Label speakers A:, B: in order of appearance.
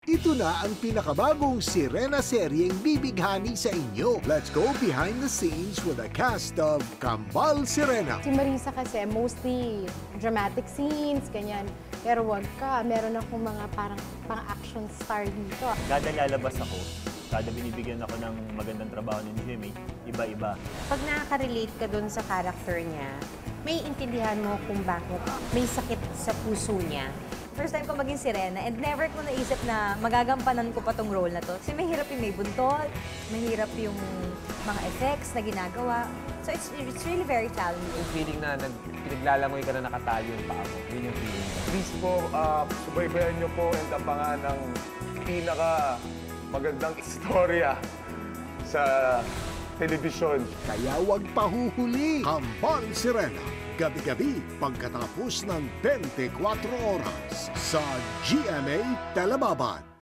A: Ito na ang pinakabagong Sirena seryeng bibighani sa inyo. Let's go behind the scenes with a cast of Kambal Sirena.
B: Si Marisa kasi mostly dramatic scenes, ganyan. Pero wag ka, meron akong mga parang pang-action star dito.
C: Kada lalabas ako, kada binibigyan ako ng magandang trabaho ni Jimmy, iba-iba.
D: Pag nakaka-relate ka dun sa character niya, may intindihan mo kung bakit may sakit sa puso niya.
E: First time ko maging Sirena and never ko naisip na magagampanan ko pa tong role na to. Kasi mahirap yung may buntot, mahirap yung mga effects na ginagawa. So it's really very challenging.
F: Yung feeling na pinaglalangoy ka na nakatali yung paa mo. Yun yung feeling.
G: Please po, subaybayan niyo po ang tapangan ng pinaka magandang istorya sa telebisyon.
A: Kaya wag pahuhuli. Kambal Sirena. Gabi-gabi pagkatapos ng 24 oras sa GMA Telebabad.